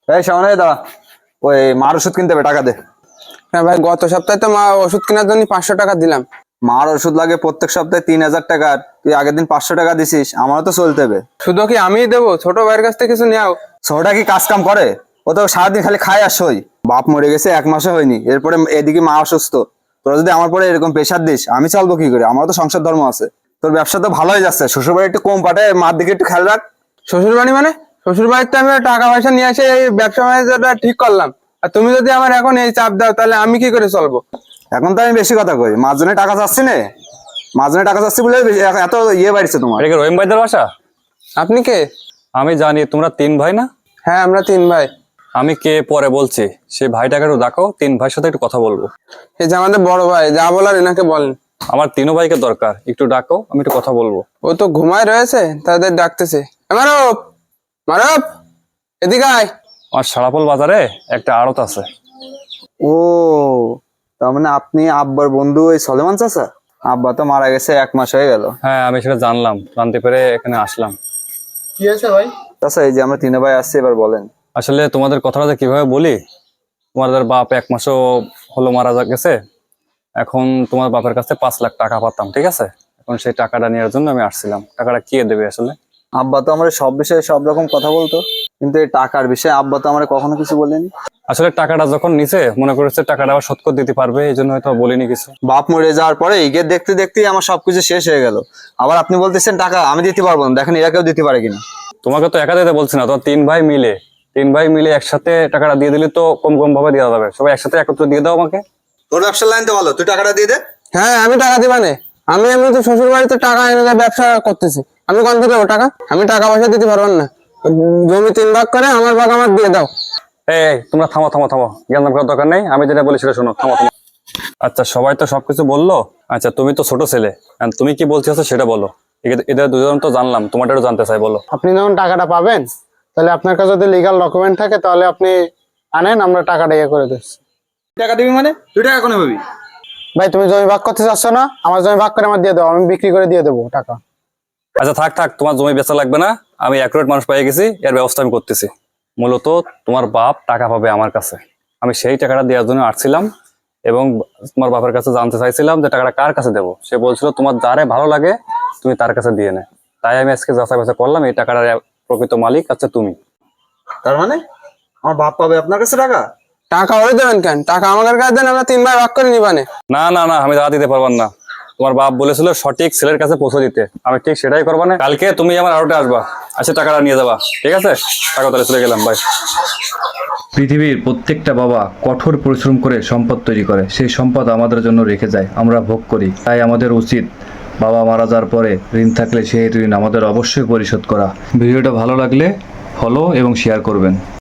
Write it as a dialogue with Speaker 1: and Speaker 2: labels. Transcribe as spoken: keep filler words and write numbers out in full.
Speaker 1: এই সামনে দাঁড়া, ওই মার ওষুধ কিনতে হবে, টাকা দে।
Speaker 2: হ্যাঁ ভাই, গত সপ্তাহে তো মা ওষুধ কেনার জন্য পাঁচশো টাকা দিলাম।
Speaker 1: মার ওষুধ লাগে প্রত্যেক সপ্তাহে তিন হাজার টাকা, তুই আগের দিন পাঁচশো টাকা দিছিস, আমারও তো চলতে হবে।
Speaker 2: শুধু কি আমিই দেবো? ছোট ভাইয়ের কাছ থেকে কিছু নেও।
Speaker 1: ছোটটা কি কাজ কাম করে? ও তো সারাদিন খালি খায় আর সই। বাপ মরে গেছে, এক মাসে হয়নি, এরপরে এদিকে মা অসুস্থ। তোরা যদি আমার পরে এরকম প্রেশার দিস, আমি চলবো কি করে? আমারও তো সংসার ধর্ম আছে। তোর ব্যবসা তো ভালোই যাচ্ছে, শ্বশুর বাড়ি একটু কম পাঠায়, মার দিকে একটু খেয়াল রাখ।
Speaker 2: শ্বশুর বাড়ি মানে? শ্বশুর বাড়িতে আমি টাকা পয়সা নিয়ে এসে এই ব্যবসা বাণিজ্যটা ঠিক করলাম, আর তুমি যদি আমার এখন এই চাপ দাও তাহলে আমি কি করে চলবো?
Speaker 1: এখন তো আমি বেশি কথা কই, মাঝজনে টাকা চাচ্ছি না, মাঝজনে টাকা চাচ্ছি বলে বেশি- এত ইয়ে বাড়ছে তোমার।
Speaker 3: এটা কি রহিম ভাইদের বাসা?
Speaker 2: আপনি কে?
Speaker 3: আমি জানি তোমরা তিন ভাই না?
Speaker 2: হ্যাঁ, আমরা তিন ভাই।
Speaker 3: আমি কে পরে বলছি, সেই ভাইটাকে একটু ডাকো, তিন ভাইয়ের সাথে একটু কথা বলবো।
Speaker 2: এই যে আমাদের বড় ভাই, যা বলার এনাকে বলেন।
Speaker 3: আমার তিনও ভাইকে দরকার, একটু ডাকো, আমি একটু কথা বলবো।
Speaker 2: ও তো ঘুমায় রয়েছে, তাদের ডাকতেছে। মারব মারব, এদিকে আয়।
Speaker 3: আমার সারাপল বাজারে একটা আড়ত আছে।
Speaker 1: ও, তার মানে আপনি আব্বার বন্ধু ওই সলেমান চাচা? আব্বা তো মারা গেছে এক মাস হয়ে গেল।
Speaker 3: হ্যাঁ, আমি সেটা জানলাম, জানতে পেরে এখানে আসলাম।
Speaker 2: কি হয়েছে ভাই?
Speaker 1: চাচা এই যে আমরা তিন ভাই আসছি, এবার বলেন।
Speaker 3: আসলে তোমাদের কথাটা যে কিভাবে বলি, তোমাদের বাপ এক মাসও হলো মারা যা- গেছে। এখন তোমার বাপের কাছে পাঁচ লাখ টাকা পাতাম, ঠিক আছে? এখন সেই টাকাটা নেওয়ার জন্য আমি আসছিলাম। টাকাটা কে দেবে আসলে?
Speaker 1: আব্বা তো আমার সব বিষয়ে সব রকম কথা বলতো, কিন্তু এই টাকার বিষয়ে আব্বা তো আমার কখনো কিছু বলেনি।
Speaker 3: আসলে টাকাটা যখন নিছে মনে করেছে টাকাটা আবার শোধ করে দিতে পারবে, এই জন্য হয়তো বলিনি কিছু।
Speaker 1: বাপ মরে যাওয়ার পরে ইগে দেখতে দেখতেই আমার সবকিছু শেষ হয়ে গেল। আবার আপনি বলতেছেন টাকা আমি দিতে পারবো না, দেখেন এরা কেউ দিতে পারে কিনা।
Speaker 3: তোমাকে তো একা দিতে বলছি না, তোমার তিন ভাই মিলে তিন ভাই মিলে একসাথে টাকাটা দিয়ে দিলে তো কম কম ভাবে দেওয়া যাবে। সবাই একসাথে একত্রে দিয়ে দাও আমাকে।
Speaker 1: তোর ব্যবসার লাইন তো ভালো, তুই টাকাটা দিয়ে দে।
Speaker 2: হ্যাঁ, আমি টাকা দিবা নে। আমি এমনি তো শ্বশুর বাড়িতে টাকা এনে দিয়ে ব্যবসা করতেছি, আমি কোন থেকে দেবো টাকা? আমি টাকা পয়সা দিতে পারবো না। জমি তিন ভাগ করে আমার ভাগ আমার দিয়ে দাও।
Speaker 3: এই এই, তোমরা থামো থামো থামো, জ্ঞান করার দরকার নেই, আমি যেটা বলি সেটা শোনো। থামো থামো। আচ্ছা, সবাই তো সবকিছু বললো। আচ্ছা, তুমি তো ছোট ছেলে, and তুমি কি বলছো সেটা বলো। এদের- এদের দুজন তো জানলাম, তোমারটাও জানতে চাই, বলো।
Speaker 2: আপনি যখন টাকাটা পাবেন, তাহলে আপনার কাছে যদি লিগাল ডকুমেন্ট থাকে তাহলে আপনি আনেন, আমরা টাকাটা ইয়ে করে দিচ্ছি।
Speaker 1: টাকা দিবি মানে? তুই টাকা কোনো ভাবি?
Speaker 2: ভাই, তুমি জমি ভাগ করতে চাচ্ছ না? আমার জমি ভাগ করে আমার দিয়ে দাও, আমি বিক্রি করে দিয়ে দেবো টাকা।
Speaker 3: আচ্ছা থাক থাক, তোমার জমি বেচা লাগবে না, আমি অ্যাকুরেট মানুষ পেয়ে গেছি, এর ব্যবস্থা আমি করতেছি। মূলত তোমার বাপ টাকা পাবে আমার কাছে, আমি সেই টাকাটা দেওয়ার জন্য আসছিলাম, এবং তোমার বাপের কাছে জানতে চাইছিলাম যে টাকাটা কার কাছে দেবো। সে বলছিল তোমার যারে ভালো লাগে তুমি তার কাছে দিয়ে নে। তাই আমি আজকে যাচাই বাছাই করলাম, এই টাকাটার প্রকৃত মালিক আচ্ছা তুমি।
Speaker 1: তার মানে আমার বাপ পাবে আপনার কাছে টাকা?
Speaker 2: টাকা ওরে দেবেন কেন? টাকা আমাদের কাছে দেন, আমরা তিন ভাই ভাগ করে নিবানে।
Speaker 3: না না না, আমি টাকা দিতে পারবার না। তোমার বাপ বলেছিল সঠিক ছেলের কাছে পৌঁছে দিতে, আমি ঠিক সেটাই করবো না। কালকে তুমি আমার আড়তে আসবা, আচ্ছা টাকাটা নিয়ে যাবা, ঠিক আছে? টাকা তাহলে চলে গেলাম, বাই।
Speaker 4: পৃথিবীর প্রত্যেকটা বাবা কঠোর পরিশ্রম করে সম্পদ তৈরি করে, সেই সম্পদ আমাদের জন্য রেখে যায়, আমরা ভোগ করি। তাই আমাদের উচিত বাবা মারা যাওয়ার পরে ঋণ থাকলে সেই ঋণ আমাদের অবশ্যই পরিশোধ করা। ভিডিওটা ভালো লাগলে ফলো এবং শেয়ার করবেন।